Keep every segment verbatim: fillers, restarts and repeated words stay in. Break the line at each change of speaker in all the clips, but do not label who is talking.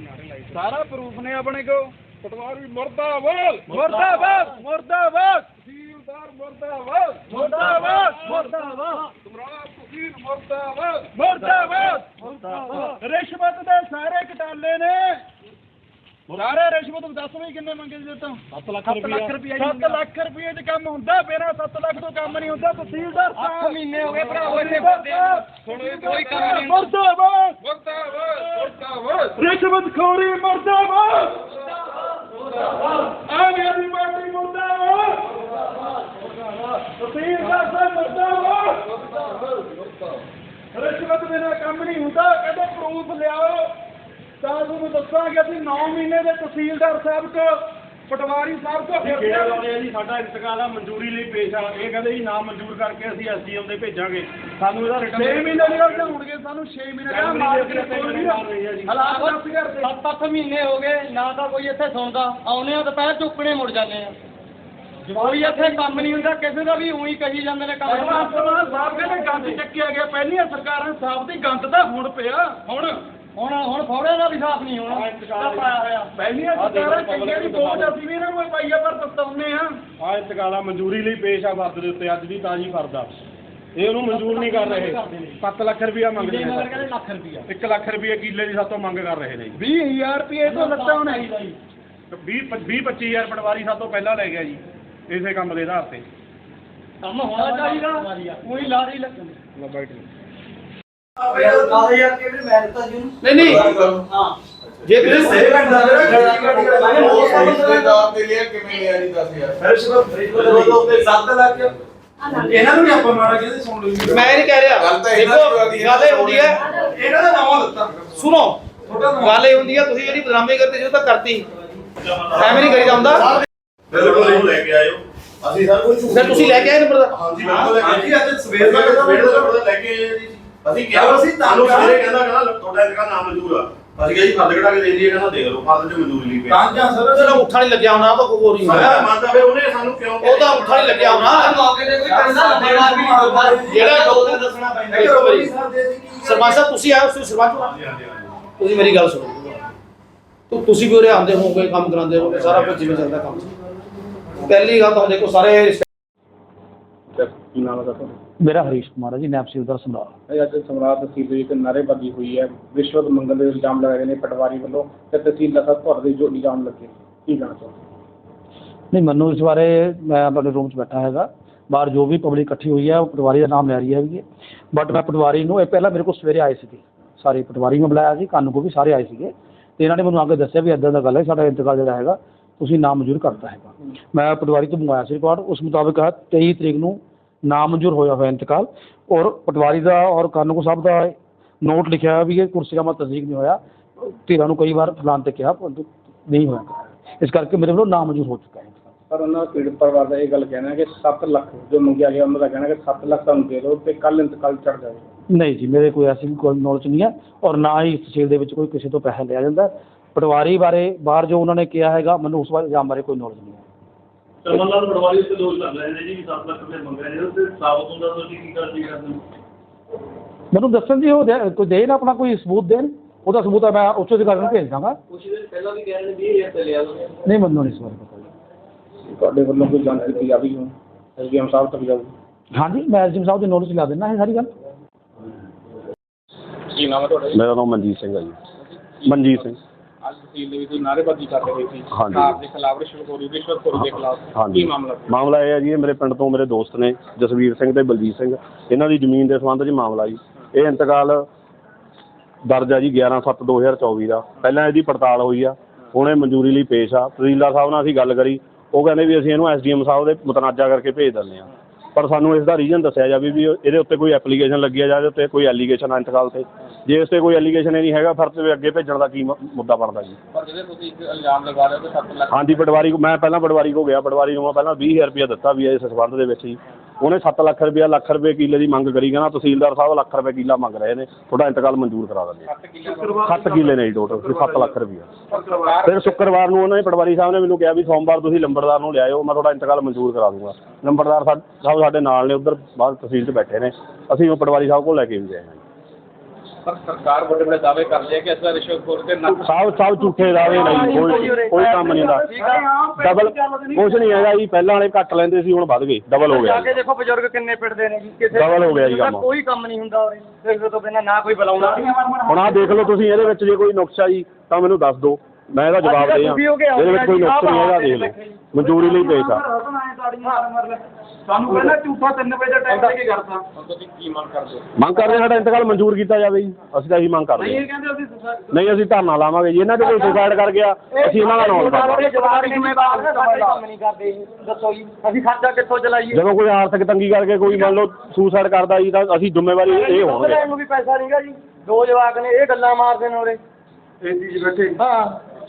सारा प्रूफ ने अपने को। पटवारी मुर्दाबाद मुर्दाबाद मुर्दाबाद, तहसीलदार मुर्दाबाद मुर्दाबाद मुर्दाबाद, समराट तहसील मुर्दाबाद मुर्दाबाद मुर्दाबाद। रिश्वत दे सारे घटाले ने, सारे रिश्वत दस भी किन्ने मंगे जी? तो सत्त लख रुपया सत्त लख रुपये च काम हुंदा? मेरा सत्त लख तो काम नहीं हुंदा। तहसीलदार अठ महीने हो गए भराओ इत्थे कोई काम नहीं। मुर्दाबाद मुर्दाबाद मुर्दाबाद, रिश्वतखोरी मुर्दाबाद, आम आदमी पार्टी मुर्दाबाद, तहसीलदार साहब मुर्दाबाद। रिश्वत बिना काम नहीं हुंदा। कहते प्रूफ लियाओ ਤਾਂ ਤੁਹਾਨੂੰ ਦੱਸਾਂਗੇ ਅਸੀਂ नौ ਮਹੀਨੇ ਦੇ ਤਹਿਸੀਲਦਾਰ ਸਾਹਿਬ ਕੋ ਪਟਵਾਰੀ ਸਾਹਿਬ ਕੋ
ਕਿਹੜਾ ਲਾਉਂਦੇ ਆ ਜੀ? ਸਾਡਾ ਇੰਤਕਾਲ ਆ ਮਨਜ਼ੂਰੀ ਲਈ ਪੇਸ਼ ਆ। ਇਹ ਕਹਿੰਦੇ ਜੀ ਨਾਮ ਮਨਜ਼ੂਰ ਕਰਕੇ ਅਸੀਂ ਐਸਡੀਐਮ ਦੇ ਭੇਜਾਂਗੇ। ਸਾਨੂੰ ਇਹਦਾ ਰਿਟਰਨ
ਛੇ ਮਹੀਨੇ ਦੀ ਗੱਲ ਹੋਣਗੇ। ਸਾਨੂੰ ਛੇ ਮਹੀਨੇ ਦਾ ਹਾਲਾਤ ਦਸ ਹਜ਼ਾਰ ਤੇ
ਸੱਤ ਅੱਠ ਮਹੀਨੇ ਹੋ ਗਏ ਨਾ ਤਾਂ ਕੋਈ ਇੱਥੇ ਸੁਣਦਾ। ਆਉਨੇ ਆ ਦੁਪਹਿਰ ਚੁੱਕਣੇ ਮੁੜ ਜਾਂਦੇ ਆ। ਕੋਈ ਇੱਥੇ ਕੰਮ ਨਹੀਂ ਹੁੰਦਾ ਕਿਸੇ ਦਾ ਵੀ। ਉਹੀ ਕਹੀ ਜਾਂਦੇ ਨੇ ਕੰਮ।
ਸਾਹਿਬ ਕਹਿੰਦੇ ਗੰਦ ਚੱਕਿਆ ਗਿਆ। ਪਹਿਲੀਆਂ ਸਰਕਾਰਾਂ ਸਾਹਿਬ ਦੀ ਗੰਦ ਤਾਂ ਹੁਣ ਪਿਆ। ਹੁਣ
ਹੁਣ ਹੁਣ ਫੌੜੇ ਦਾ ਵੀ ਸਾਫ਼ ਨਹੀਂ ਹੋਣਾ ਪਾਇਆ ਹੋਇਆ।
ਪਹਿਲੀਆਂ ਸਰਕਾਰਾਂ ਚੰਗੀਆਂ ਦੀ ਬੋਝ ਅਸੀਂ ਵੀ ਇਹਨਾਂ ਨੂੰ ਪਾਈਆ ਪਰ ਦਸਤਾਉਨੇ ਆ।
ਆ ਇੰਤਕਾਲ ਆ ਮਨਜ਼ੂਰੀ ਲਈ ਪੇਸ਼ ਆ ਫਰਦ ਦੇ ਉੱਤੇ। ਅੱਜ ਦੀ ਤਾਜ਼ੀ ਫਰਦ ਆ। ਇਹ ਉਹਨੂੰ ਮਨਜ਼ੂਰ ਨਹੀਂ ਕਰ ਰਹੇ। ਸੱਤ ਲੱਖ ਰੁਪਇਆ ਮੰਗਦੇ ਨੇ।
ਕਹਿੰਦੇ ਲੱਖ ਰੁਪਇਆ
ਇੱਕ ਲੱਖ ਰੁਪਏ ਕਿੱਲੇ ਦੀ ਸਾਤੋਂ ਮੰਗ ਕਰ ਰਹੇ ਨੇ।
ਵੀਹ ਹਜ਼ਾਰ ਰੁਪਏ ਤੋਂ ਲੱਤਾਂ ਹੋਣਾ
ਵੀਹ ਵੀਹ ਪੱਚੀ ਹਜ਼ਾਰ ਪਟਵਾਰੀ ਸਾਤੋਂ ਪਹਿਲਾਂ ਲੈ ਗਿਆ ਜੀ ਇਸੇ ਕੰਮ ਦੇ ਆਧਾਰ ਤੇ।
ਕੰਮ ਹੋਣਾ ਚਾਹੀਦਾ। ਕੋਈ ਲਾਰੀ ਲੱਗ
नहीं नहीं हाँ जे तेरे सही करना है ना मैंने वो रिश्तेदार के लिए किਵੇਂ ਲਿਆ ਜੀ दस हज़ार ਰਿਸ਼ਵਤ ਰਿਸ਼ਵਤ ਦੇ ਸੱਤ ਲੱਖ ਇਹਨਾਂ ਨੂੰ ਵੀ ਆਪਾਂ ਮਾੜਾ ਕਹਿੰਦੇ ਸੁਣ ਲਓ। ਮੈਂ ਨਹੀਂ ਕਹਿ ਰਿਹਾ ਦੇਖੋ ਗੱਲ ਇਹ ਹੁੰਦੀ ਹੈ ਇਹਨਾਂ ਦਾ ਨਾਮ ਦਿੱਤਾ ਸੁਣੋ ਗੱਲ ਇਹ ਹੁੰਦੀ ਹੈ ਤੁਸੀਂ ਜਿਹੜੀ ਬਦਨਾਮੀ ਕਰਦੇ ਜੋ ਤਾਂ ਕਰਤੀ ਐਵੇਂ ਨਹੀਂ ਕਰੀਦਾ ਹੁੰਦਾ।
ਬਿਲਕੁਲ ਇਹਨੂੰ ਲੈ ਕੇ ਆਇਓ ਅਸੀਂ ਸਰ ਕੋਈ
ਸਰ ਤੁਸੀਂ ਲੈ ਕੇ ਆਏ ਨੰਬਰ ਦਾ?
ਹਾਂਜੀ ਬਿਲਕੁਲ ਲੈ ਕੇ ਆਏ ਜੀ। ਅੱਜ ਸਵੇਰ ਦਾ ਸਵੇਰ ਦਾ ਨੰਬਰ ਲੈ ਕੇ ਆਏ ਜੀ। ਅਸੀਂ ਕਿਹਾ ਅਸੀਂ ਤੁਹਾਨੂੰ ਸਵੇਰੇ ਕਹਿੰਦਾ ਕਹਿੰਦਾ ਤੁਹਾਡਾ ਇੰਤਕਾਲ ਨਾਮ ਮਨਜ਼ੂਰ ਆ। ਅਸੀਂ ਕਿਹਾ ਜੀ ਫਰਦ ਕਢਾ ਕੇ ਦੇ ਦਈਏ। ਕਹਿੰਦਾ ਦੇਖ ਲਓ ਫਰਦ ਚ ਮਨਜ਼ੂਰੀ ਲਈ ਪਿਆ।
ਤਾਂ ਜਾਂ ਸਰ ਜਿਹੜਾ ਉੱਠਾ ਨਹੀਂ ਲੱਗਿਆ ਹੋਣਾ ਤਾਂ ਕੋਈ ਹੋਰ ਹੀ ਹੋਣਾ।
ਮੰਨਦਾ ਵੇ ਉਹਨੇ ਸਾਨੂੰ ਕਿਉਂ
ਉਹ ਤਾਂ ਉੱਠਾ ਨਹੀਂ ਲੱਗਿਆ ਹੋਣਾ।
ਮੌਕੇ ਤੇ ਕੋਈ ਪੈਸਾ ਲੰਬੇਵਾਰ ਵੀ ਨਹੀਂ ਹੁੰਦਾ।
ਜਿਹੜਾ ਡਾਕਟਰ ਦੱਸਣਾ ਪੈਂਦਾ ਇੱਕ ਵਾਰੀ। ਸਰਪੰਚ ਸਾਹਿਬ ਤੁਸੀਂ ਆਏ ਤੁਸੀਂ ਸਰਪੰਚ ਹੋ? ਤੁਸੀਂ ਮੇਰੀ ਗੱਲ ਸੁਣੋ। ਤੂੰ ਤੁਸੀਂ ਵੀ ਉਰੇ ਆਉਂਦੇ ਹੋਗੇ ਕੰਮ ਕਰਾਉਂਦੇ ਹੋਗੇ ਸਾਰਾ ਕੁਝ ਜਿਵੇਂ ਚੱਲਦਾ ਕੰਮ। ਪਹਿਲੀ ਗੱਲ ਤਾਂ ਦੇਖੋ ਸਾਰੇ
ਕੀ ਨਾਮ ਹੈ ਤੁਹਾਡਾ?
मेरा हरीश कुमार है जी, नैब तहसीलदार समराट।
ਅੱਜ ਸਮਰਾਟ ਤਹਿਸੀਲ ਦੇ ਵਿੱਚ ਨਾਅਰੇਬਾਜ਼ੀ ਹੋਈ ਹੈ। ਰਿਸ਼ਵਤ ਮੰਗਣ ਦੇ ਇਲਜ਼ਾਮ ਲਗਾਏ ਨੇ ਪਟਵਾਰੀ ਵੱਲੋਂ ਤੇ ਤਹਿਸੀਲਦਾਰ ਸਾਹਿਬ ਤੁਹਾਡੇ ਜੋ ਇਲਜ਼ਾਮ ਲੱਗੇ ਕੀ ਕਹਿਣਾ ਚਾਹੁੰਦੇ?
नहीं मैनू इस बारे मैं अपने रूम च बैठा हैगा। बाहर जो भी पब्लिक इकट्ठी हुई है वो पटवारी का नाम लै रही है बट मैं पटवारी नूं पहला मेरे को सवेरे आए थे सारे पटवारी में बुलाया सी कानू को भी सारे आए थे तो इन्होंने मैंने आगे दसिया भी इदा गल है साडा इंतकाल जो है तुसीं नाम मंजूर करता है। मैं पटवारी तो मंगवाया सी रिकॉर्ड उस मुताबिक है तेई तरीक नूं नाम मंजूर होया हुआ इंतकाल और पटवारी का और कानून साहब का नोट लिखा है भी ये कुर्सी का मैं तस्दीक नहीं होया। धीरा कई बार फलान तक कहा परंतु नहीं होया इस करके मेरे वालों नाम मंजूर हो चुका है।
ਪਰ ਉਹਨਾਂ ਦਾ ਪੀੜਤ ਪਰਿਵਾਰ ਦਾ ਇਹ ਗੱਲ ਕਹਿਣਾ ਕਿ ਸੱਤ ਲੱਖ ਜੋ ਮੰਗਿਆ ਗਿਆ ਉਹਨਾਂ ਦਾ ਕਹਿਣਾ ਕਿ ਸੱਤ ਲੱਖ ਤੁਹਾਨੂੰ ਦੇ ਦਿਓ ਤੇ ਕੱਲ ਇੰਤਕਾਲ ਚੜ ਜਾਵੇ।
नहीं जी मेरे कोई ऐसी कोई नॉलेज नहीं है और ना ही इस तहसील ਦੇ ਵਿੱਚ ਕੋਈ ਕਿਸੇ ਤੋਂ ਪੈਸਾ ਲਿਆ ਜਾਂਦਾ। पटवारी बारे बाहर जो उन्होंने किया है मैं उस बारे इल्जाम बारे कोई नॉलेज नहीं है।
ਚਮਨਲਾਲ ਪਟਵਾਰੀ ਤੇ ਦੋਸ਼ ਲੱਗ ਰਹੇ ਨੇ ਜੀ ਸੱਤ ਲੱਖ ਰੁਪਏ ਮੰਗ ਰਹੇ ਨੇ ਤੇ ਸਾਬਤ ਹੁੰਦਾ ਤੁਸੀਂ ਕੀ ਕਰਦੀ ਕਰਦੇ?
ਮੈਨੂੰ ਦੱਸਣ ਜੀ ਉਹ ਦੇ- ਕੋਈ ਦੇਣ ਆਪਣਾ ਕੋਈ ਸਬੂਤ ਦੇਣ ਉਹਦਾ ਸਬੂਤ ਹੈ ਮੈਂ ਉੱਚ ਅਧਿਕਾਰੀ ਨੂੰ ਭੇਜ ਦਾਂਗਾ।
ਕੁਝ ਦਿਨ ਪਹਿਲਾਂ ਵੀ ਕਹਿ ਰਹੇ ਨੇ ਵੀਹ ਹਜ਼ਾਰ ਤੇ ਲਿਆ ਉਹਨੇ।
ਨਹੀਂ ਮੈਨੂੰ ਨਹੀਂ ਇਸ ਬਾਰੇ ਪਤਾ ਜੀ।
ਤੁਹਾਡੇ ਵੱਲੋਂ ਕੋਈ ਜਾਂਚ ਕੀਤੀ ਜਾਵੇਗੀ ਹੁਣ ਐਸਡੀਐਮ ਸਾਹਿਬ ਤੱਕ ਜਾਊਗੀ?
ਹਾਂਜੀ ਮੈਂ ਐਸਡੀਐਮ ਸਾਹਿਬ ਦੇ ਨੋਟਿਸ ਲਾ ਦੇਣਾ ਇਹ ਸਾਰੀ ਗੱਲ।
ਕੀ ਨਾਮ ਹੈ ਤੁਹਾਡਾ?
ਮੇਰਾ ਨਾਮ ਮਨਜੀਤ ਸਿੰਘ ਹੈ ਜੀ। ਮਨਜੀਤ ਸਿੰਘ।
ਅੱਜ ਤਹਿਸੀਲ ਦੇ ਵਿੱਚ ਨਾਅਰੇਬਾਜ਼ੀ ਕਰ ਰਹੇ ਸੀ
ਹਾਂਜੀ।
ਸਰਕਾਰ ਦੇ ਖਿਲਾਫ ਰਿਸ਼ਵਤਖੋਰੀ ਰਿਸ਼ਵਤਖੋਰੀ ਦੇ ਖਿਲਾਫ
ਹਾਂਜੀ
ਕੀ ਮਾਮਲਾ ਸੀ?
ਮਾਮਲਾ ਇਹ ਹੈ ਜੀ ਇਹ ਮੇਰੇ ਪਿੰਡ ਤੋਂ ਮੇਰੇ ਦੋਸਤ ਨੇ ਜਸਵੀਰ ਸਿੰਘ ਤੇ ਬਲਜੀਤ ਸਿੰਘ ਇਹਨਾਂ ਦੀ ਜ਼ਮੀਨ ਦੇ ਸੰਬੰਧ 'ਚ ਮਾਮਲਾ ਜੀ। ਇਹ ਇੰਤਕਾਲ ਦਰਜ ਆ ਜੀ ਗਿਆਰਾਂ ਸੱਤ ਦੋ ਹਜ਼ਾਰ ਚੌਵੀ ਦਾ। ਪਹਿਲਾਂ ਇਹਦੀ ਪੜਤਾਲ ਹੋਈ ਆ ਹੁਣ ਇਹ ਮਨਜ਼ੂਰੀ ਲਈ ਪੇਸ਼ ਆ। ਤਹਿਸੀਲਦਾਰ ਸਾਹਿਬ ਨਾਲ ਅਸੀਂ ਗੱਲ ਕਰੀ ਉਹ ਕਹਿੰਦੇ ਵੀ ਅਸੀਂ ਇਹਨੂੰ ਐਸਡੀਐਮ ਸਾਹਿਬ ਦੇ ਮੁਤਨਾਜ਼ਾ ਕਰਕੇ ਭੇਜ ਦਿੰਦੇ ਹਾਂ ਪਰ ਸਾਨੂੰ ਇਸ ਦਾ ਰੀਜ਼ਨ ਦੱਸਿਆ ਜਾਵੇ ਵੀ ਇਹਦੇ ਉੱਤੇ ਕੋਈ ਐਪਲੀਕੇਸ਼ਨ ਲੱਗੀ ਆ ਜਾਂ ਇਹਦੇ ਉੱਤੇ ਕੋਈ ਐਲੀਗੇਸ਼ਨ ਆ ਇੰਤਕਾਲ 'ਤੇ। ਜੇ ਇਸ 'ਤੇ ਕੋਈ ਐਲੀਗੇਸ਼ਨ ਹੀ ਨਹੀਂ ਹੈਗਾ ਫਿਰ ਤੇ ਅੱਗੇ ਭੇਜਣ ਦਾ ਕੀ ਮੁੱਦਾ ਬਣਦਾ ਜੀ?
ਪਰ ਜਿਹੜੇ ਤੁਸੀਂ ਇੱਕ ਇਲਜ਼ਾਮ ਲਗਾ ਰਹੇ ਹੋ ਕਿ ਸੱਤ ਲੱਖ
ਹਾਂਜੀ ਪਟਵਾਰੀ ਮੈਂ ਪਹਿਲਾਂ ਪਟਵਾਰੀ ਕੋ ਗਿਆ ਪਟਵਾਰੀ ਨੂੰ ਮੈਂ ਪਹਿਲਾਂ ਵੀਹ ਹਜ਼ਾਰ ਰੁਪਇਆ ਦਿੱਤਾ ਵੀ ਇਸ ਸੰਬੰਧ ਦੇ ਵਿੱਚ ਜੀ। ਉਹਨੇ ਸੱਤ ਲੱਖ ਰੁਪਇਆ ਲੱਖ ਰੁਪਏ ਕਿੱਲੇ ਦੀ ਮੰਗ ਕਰੀ ਕਹਿੰਦਾ ਤਹਿਸੀਲਦਾਰ ਸਾਹਿਬ ਲੱਖ ਰੁਪਏ ਕਿੱਲਾ ਮੰਗ ਰਹੇ ਨੇ ਤੁਹਾਡਾ ਇੰਤਕਾਲ ਮਨਜ਼ੂਰ ਕਰਾ ਦਿੰਦੇ ਹਾਂ। ਸੱਤ ਕਿੱਲੇ ਨੇ ਜੀ ਟੋਟਲ ਸੱਤ ਲੱਖ ਰੁਪਇਆ। ਫਿਰ ਸ਼ੁੱਕਰਵਾਰ ਨੂੰ ਉਹਨਾਂ ਨੇ ਪਟਵਾਰੀ ਸਾਹਿਬ ਨੇ ਮੈਨੂੰ ਕਿਹਾ ਵੀ ਸੋਮਵਾਰ ਤੁਸੀਂ ਲੰਬੜਦਾਰ ਨੂੰ ਲਿਆਇਓ ਮੈਂ ਤੁਹਾਡਾ ਇੰਤਕਾਲ ਮਨਜ਼ੂਰ ਕਰਾ ਦੂੰਗਾ। ਲੰਬੜਦਾਰ ਸਾਹਿਬ ਸਾਡੇ ਨਾਲ ਨੇ ਉੱਧਰ ਬਾਹਰ ਤਹਿਸੀਲ 'ਚ ਬੈਠੇ ਨੇ ਅਸੀਂ ਉਹ ਪਟਵਾਰੀ ਸਾਹਿਬ ਕੋਲ ਲੈ ਕੇ ਵੀ ਗਏ ਹਾਂ।
ਪਰ ਸਰਕਾਰ ਬੜੇ ਬੜੇ ਦਾਅਵੇ ਕਰਦੀ ਹੈ ਕਿ ਇਸ ਵਾਰ ਰਿਸ਼ਵਤਖੋਰ ਤੇ ਨਾ
ਸਭ ਸਭ ਝੂਠੇ ਦਾਅਵੇ ਨਹੀਂ, ਕੋਈ ਕੋਈ ਕੰਮ ਨਹੀਂ ਹੁੰਦਾ। ਡਬਲ ਕੁਛ ਨਹੀਂ ਹੈਗਾ ਜੀ, ਪਹਿਲਾਂ ਵਾਲੇ ਘੱਟ ਲੈਂਦੇ ਸੀ, ਹੁਣ ਵੱਧ ਗਏ, ਡਬਲ ਹੋ ਗਿਆ
ਜਾ ਕੇ ਦੇਖੋ ਬਜ਼ੁਰਗ ਕਿੰਨੇ ਪਿੱਟਦੇ ਨੇ ਜੀ, ਕਿਸੇ
ਡਬਲ ਹੋ ਗਿਆ ਜੀ ਕੰਮ।
ਕੋਈ ਕੰਮ ਨਹੀਂ ਹੁੰਦਾ ਉਰੇ, ਸਿਰ ਤੋਂ ਬਿਨਾਂ ਨਾ ਕੋਈ ਬੁਲਾਉਂਦਾ।
ਹੁਣ ਆਹ ਦੇਖ ਲਓ ਤੁਸੀਂ, ਇਹਦੇ ਵਿੱਚ ਜੇ ਕੋਈ ਨੁਕਸਾ ਜੀ ਤਾਂ ਮੈਨੂੰ ਦੱਸ ਦਿਓ, ਮੈਂ ਇਹਦਾ ਜਵਾਬ ਦੇ ਆ। ਇਹਦੇ ਵਿੱਚ ਕੋਈ ਨੁਕਸ ਨਹੀਂ ਹੈਗਾ, ਦੇਖ ਲਓ, ਮਨਜ਼ੂਰੀ ਲਈ ਪੇਸ਼ ਆ।
ਸਾਨੂੰ ਪਹਿਲਾਂ ਝੂਠਾ ਤਿੰਨ ਵਜੇ ਦਾ ਟਾਈਮ ਦੇ ਕੇ ਕਰਤਾ।
ਹੁਣ ਤੁਸੀਂ ਕੀ ਮੰਗ ਕਰਦੇ ਹੋ?
ਮੰਗ ਕਰਦੇ ਹਾਂ ਸਾਡਾ ਇੰਤਕਾਲ ਮਨਜ਼ੂਰ ਕੀਤਾ ਜਾਵੇ ਜੀ, ਅਸੀਂ ਤਾਂ ਇਹੀ ਮੰਗ ਕਰਦੇ ਹਾਂ।
ਕਹਿੰਦੇ ਅਸੀਂ
ਨਹੀਂ ਅਸੀਂ ਧਰਨਾ ਲਾਵਾਂਗੇ ਜੀ, ਇਹਨਾਂ ਦੇ ਕੋਈ ਸੁਸਾਈਡ ਕਰ ਗਿਆ ਅਸੀਂ ਇਹਨਾਂ ਦਾ ਨਾਮ ਲਿਖਾਵਾਂਗੇ।
ਜਵਾਬ ਜ਼ਿੰਮੇਵਾਰ ਨੇ, ਸਾਡੇ ਕੰਮ ਨਹੀਂ ਕਰਦੇ ਜੀ, ਦੱਸੋ ਜੀ ਅਸੀਂ ਖਰਚਾ ਕਿੱਥੋਂ ਚਲਾਈਏ?
ਜਦੋਂ ਕੋਈ ਆਰਥਿਕ ਤੰਗੀ ਕਰਕੇ ਕੋਈ ਮੰਨ ਲਓ ਸੁਸਾਈਡ ਕਰਦਾ ਜੀ ਤਾਂ ਅਸੀਂ ਜ਼ਿੰਮੇਵਾਰੀ ਇਹ ਹੋਵਾਂਗੇ।
ਲੈਣ ਨੂੰ ਵੀ ਪੈਸਾ ਨਹੀਂਗਾ ਜੀ, ਦੋ ਜਵਾਕ ਨੇ ਇਹ ਗੱਲਾਂ ਮਾਰਦੇ ਨੇ ਉਰੇ।
ਏਸੀ 'ਚ ਬੈਠੇ।
ਹਾਂ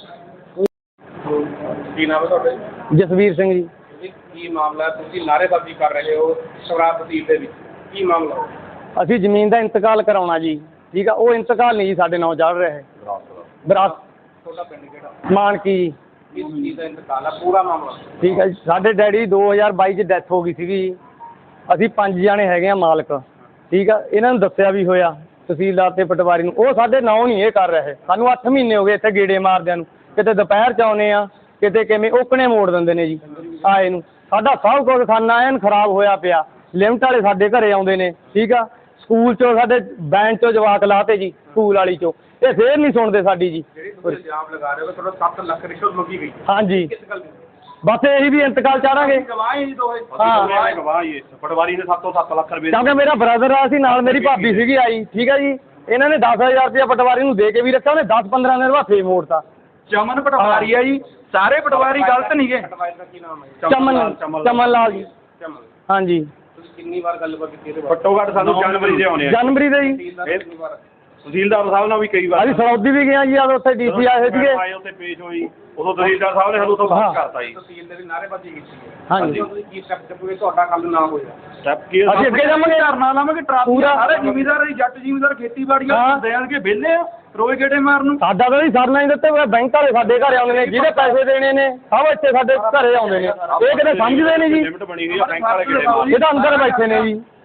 ਕੀ ਨਾਮ ਹੈ ਤੁਹਾਡਾ?
ਜਸਵੀਰ ਸਿੰਘ ਜੀ।
ਜੀ ਕੀ ਮਾਮਲਾ ਹੈ? ਤੁਸੀਂ ਨਾਅਰੇਬਾਜ਼ੀ ਕਰ ਰਹੇ ਹੋ ਸ਼ਰਾਬ ਤਹਿਸੀਲ ਦੇ ਵਿੱਚ, ਕੀ ਮਾਮਲਾ?
ਅਸੀਂ ਜ਼ਮੀਨ ਦਾ ਇੰਤਕਾਲ ਕਰਾਉਣਾ ਜੀ, ਠੀਕ ਆ, ਉਹ ਇੰਤਕਾਲ ਨਹੀਂ ਜੀ ਸਾਡੇ ਨਾਂ ਚੜ ਰਿਹਾ ਹੈ। ਵਿਰਾਸਤ
ਤੁਹਾਡਾ ਪਿੰਡ ਕਿਹੜਾ?
ਮਾਨਕੀ ਜੀ,
ਕਿਸ ਚੀਜ਼ ਦਾ ਇੰਤਕਾਲ ਹੈ, ਪੂਰਾ ਮਾਮਲਾ?
ਠੀਕ ਹੈ ਜੀ। ਸਾਡੇ ਡੈਡੀ ਦੋ ਹਜ਼ਾਰ ਬਾਈ 'ਚ ਡੈਥ ਹੋ ਗਈ ਸੀਗੀ ਜੀ। ਅਸੀਂ ਪੰਜ ਜਾਣੇ ਹੈਗੇ ਆ ਮਾਲਕ, ਠੀਕ ਆ, ਇਹਨਾਂ ਨੂੰ ਦੱਸਿਆ ਵੀ ਹੋਇਆ ਤਹਿਸੀਲਦਾਰ ਤੇ ਪਟਵਾਰੀ ਨੂੰ, ਉਹ ਸਾਡੇ ਨਾਂ ਨਹੀਂ ਇਹ ਕਰ ਰਹੇ। ਸਾਨੂੰ ਅੱਠ ਮਹੀਨੇ ਹੋ ਗਏ ਇੱਥੇ ਗੇੜੇ ਮਾਰਦਿਆਂ ਨੂੰ, ਕਿਤੇ ਦੁਪਹਿਰ 'ਚ ਆਉਂਦੇ ਆ, ਕਿਤੇ ਕਿਵੇਂ ਓਕਣੇ ਮੋੜ ਦਿੰਦੇ ਨੇ ਜੀ ਆਏ ਨੂੰ। ਸਾਡਾ ਸਭ ਕੁਝ ਖਾਨਾ ਐਨ ਖਰਾਬ ਹੋਇਆ ਪਿਆ, ਲਿਮਟ ਵਾਲੇ ਸਾਡੇ ਘਰੇ ਆਉਂਦੇ ਨੇ, ਠੀਕ ਆ, ਸਕੂਲ 'ਚੋਂ ਸਾਡੇ ਬੈਂਚ 'ਚੋਂ ਜਵਾਕ ਲਾਤੇ ਜੀ, ਸਕੂਲ ਵਾਲੀ 'ਚੋਂ, ਇਹ ਫੇਰ ਨਹੀਂ ਸੁਣਦੇ ਸਾਡੀ ਜੀ।
ਜਿਹੜੀ ਤੁਸੀਂ ਇਲਜ਼ਾਮ ਲਗਾ ਰਹੇ ਹੋ ਕਿ ਤੁਹਾਡਾ ਸੱਤ ਲੱਖ ਰਿਸ਼ਵਤ ਮੰਗੀ ਗਈ,
ਹਾਂਜੀ,
ਕਿਸ ਗੱਲ ਦੀ?
ਬਸ ਇਹੀ ਵੀ ਇੰਤਕਾਲ ਚਾੜਾਂਗੇ।
ਗਵਾਹ ਹੀ ਦੋਏ।
ਹਾਂ
ਗਵਾਹ ਹੀ ਪਟਵਾਰੀ ਨੇ ਸੱਤ ਤੋਂ ਸੱਤ ਲੱਖ ਰੁਪਏ
ਕਿਉਂਕਿ ਮੇਰਾ ਬ੍ਰਦਰ ਆ ਸੀ ਨਾਲ, ਮੇਰੀ ਭਾਬੀ ਸੀਗੀ ਆਈ, ਠੀਕ ਆ ਜੀ। ਇਹਨਾਂ ਨੇ ਦਸ ਹਜ਼ਾਰ ਰੁਪਇਆ ਪਟਵਾਰੀ ਨੂੰ ਦੇ ਕੇ ਵੀ ਰੱਖਿਆ, ਉਹਨੇ ਦਸ ਪੰਦਰਾਂ ਦਿਨ ਬਾਅਦ ਫੇਰ ਮੋੜਤਾ।
ਚਮਨ ਪਟਵਾਰੀ ਆ ਜੀ, ਸਾਰੇ ਪਟਵਾਰੀ ਗਲਤ ਨਹੀਂਗੇ।
ਪਟਵਾਰੀ ਦਾ ਕੀ ਨਾਮ ਹੈ?
ਚਮਨ ਚਮਨ ਲਾਲ ਜੀ।
ਚਮਨ।
ਹਾਂਜੀ,
ਤੁਸੀਂ ਕਿੰਨੀ ਵਾਰ ਗੱਲਬਾਤ ਕੀਤੀ ਇਹਦੇ ਬਾਰੇ?
ਘੱਟੋ ਘੱਟ ਸਾਨੂੰ ਜਨਵਰੀ ਦੇ ਆਉਣੇ ਆ।
ਜਨਵਰੀ ਦੇ ਜੀ।
ਤਹਿਸੀਲਦਾਰ ਨੂੰ ਕਿੰਨੀ ਵਾਰ?
ਤਹਿਸੀਲਦਾਰ ਸਾਹਿਬ ਨਾਲ ਵੀ ਕਈ ਵਾਰ
ਅਸੀਂ ਸਰੌਦੀ ਵੀ ਗਏ ਆ ਜੀ, ਆ ਉੱਥੇ ਡੀਸੀ ਆਏ ਹੋਏ ਸੀਗੇ।
ਆਏ ਉੱਥੇ ਪੇਸ਼ ਹੋਈ, ਉਦੋਂ ਤਹਿਸੀਲਦਾਰ ਸਾਹਿਬ ਨੇ ਸਾਨੂੰ ਤੋਂ ਬਾਹਰ ਕਰਤਾ ਜੀ।
ਤਹਿਸੀਲ ਦੇ ਵੀ ਨਾਅਰੇਬਾਜ਼ੀ ਕੀਤੀ ਹੈ।
ਹਾਂਜੀ।
ਤੁਸੀਂ ਕੀ ਸਟੈਪ ਚੁੱਕੋਗੇ ਤੁਹਾਡਾ ਕੱਲ ਨਾ ਹੋਇਆ?
ਸਟੈਪ ਕੀ
ਅਸੀਂ ਅੱਗੇ ਜਾਵਾਂਗੇ।
ਧਰਨਾ ਲਾਵਾਂਗੇ, ਟਰਾਫੀ
ਪੂਰਾ।
ਸਾਰੇ ਜ਼ਿਮੀਂਦਾਰ ਹੀ, ਜੱਟ ਜ਼ਿਮੀਂਦਾਰ ਖੇਤੀਬਾੜੀਆਂ
ਹਾਂ।
ਦੇਣਗੇ ਵਿਹਲੇ ਆ, ਰੋਏ ਗੇੜੇ ਮਾਰਨ ਨੂੰ।
ਸਾਡਾ ਤਾਂ ਜੀ ਸਰਨਾ ਹੀ ਦਿੱਤੇ ਹੋਏ, ਬੈਂਕ ਵਾਲੇ ਸਾਡੇ ਘਰੇ ਆਉਂਦੇ ਨੇ, ਜਿਹਦੇ ਪੈਸੇ ਦੇਣੇ ਨੇ ਸਭ ਇੱਥੇ ਸਾਡੇ ਘਰੇ ਆਉਂਦੇ ਨੇ, ਇਹ ਕਿਤੇ ਸਮਝਦੇ ਨੇ ਜੀ,
ਲਿਮਟ ਬਣੀ ਹੋਈ ਆ ਬੈਂਕ ਵਾਲੇ ਕਿਹੜੇ
ਇਹ ਤਾਂ ਅੰਦਰ ਬੈਠੇ ਨੇ ਜੀ।